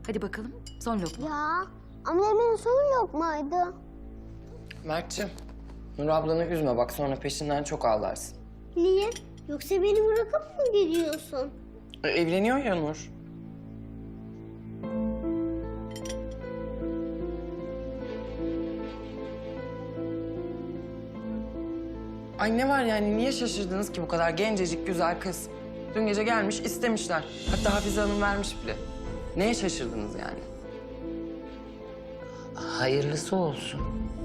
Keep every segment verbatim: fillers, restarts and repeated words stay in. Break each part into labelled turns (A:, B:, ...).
A: Hadi bakalım, son lokma.
B: Ya annemin son lokmaydı.
C: Mert'ciğim, Nur ablanı üzme bak sonra peşinden çok ağlarsın.
B: Niye? Yoksa beni bırakıp mı gidiyorsun?
C: E, evleniyor ya Nur. Ay ne var yani niye şaşırdınız ki bu kadar gencecik güzel kız? Dün gece gelmiş istemişler. Hatta Hafize Hanım vermiş bile. Neye şaşırdınız yani?
D: Hayırlısı olsun.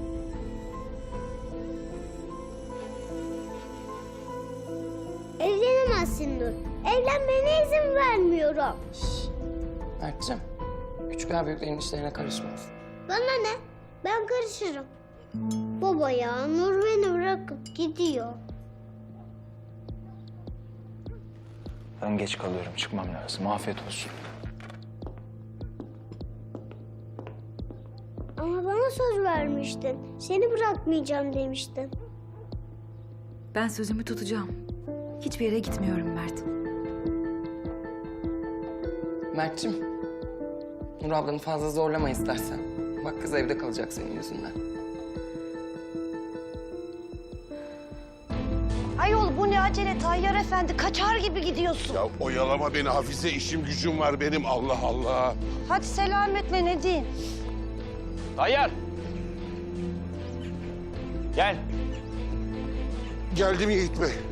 B: Evlenemezsin Nur. Evlenmene izin vermiyorum.
C: Mert'ciğim, küçükler büyüklerin işlerine karışmaz.
B: Bana ne? Ben karışırım. Baba ya Nur beni bırakıp gidiyor.
E: Ben geç kalıyorum. Çıkmam lazım. Afiyet olsun.
B: Ama bana söz vermiştin. Seni bırakmayacağım demiştin.
A: Ben sözümü tutacağım. Hiçbir yere gitmiyorum Mert.
C: Mert'ciğim, Nur ablanı fazla zorlama istersen. Bak kız evde kalacak senin yüzünden.
F: Ayol bu ne acele Tayyar Efendi, kaçar gibi gidiyorsun.
G: Ya oyalama beni Hafize, işim gücüm var benim, Allah Allah.
F: Hadi selametle ne diyeyim?
E: Tayyar! Gel.
G: Geldim Yiğit Bey.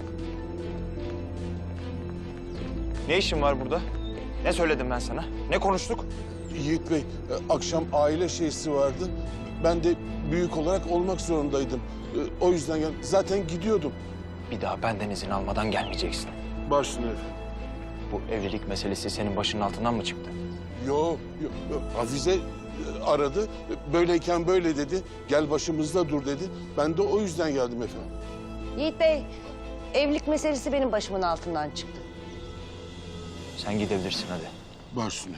E: Ne işin var burada? Ne söyledim ben sana? Ne konuştuk?
G: Yiğit Bey, e, akşam aile şeysi vardı. Ben de büyük olarak olmak zorundaydım. E, O yüzden gel- zaten gidiyordum.
E: Bir daha benden izin almadan gelmeyeceksin.
G: Başına efendim.
E: Bu evlilik meselesi senin başının altından mı çıktı?
G: Yo, yo, yo. Hafize e, aradı. E, Böyleyken böyle dedi. Gel başımızda dur dedi. Ben de o yüzden geldim efendim.
F: Yiğit Bey, evlilik meselesi benim başımın altından çıktı.
E: Sen gidebilirsin hadi.
G: Başına.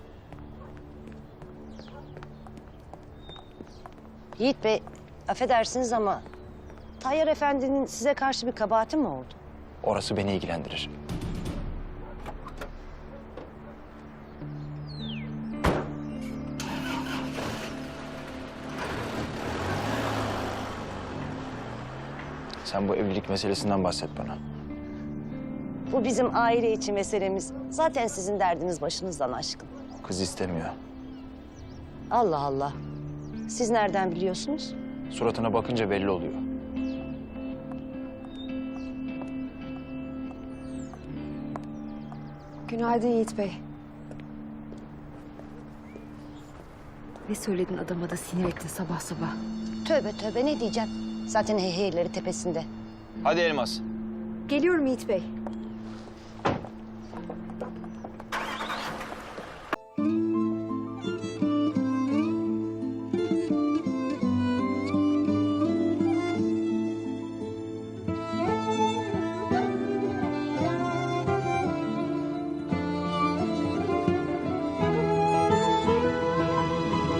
F: Yiğit Bey, affedersiniz ama Tayyar Efendi'nin size karşı bir kabahati mi oldu?
E: Orası beni ilgilendirir. Sen bu evlilik meselesinden bahset bana.
F: Bu bizim aile içi meselemiz. Zaten sizin derdiniz başınızdan aşkın.
E: Kız istemiyor.
F: Allah Allah. Siz nereden biliyorsunuz?
E: Suratına bakınca belli oluyor.
A: Günaydın Yiğit Bey. Ne söyledin adama da sinir ettin sabah sabah.
F: Tövbe tövbe ne diyeceğim? Zaten heyheyleri tepesinde.
E: Hadi Elmas.
A: Geliyorum Yiğit Bey.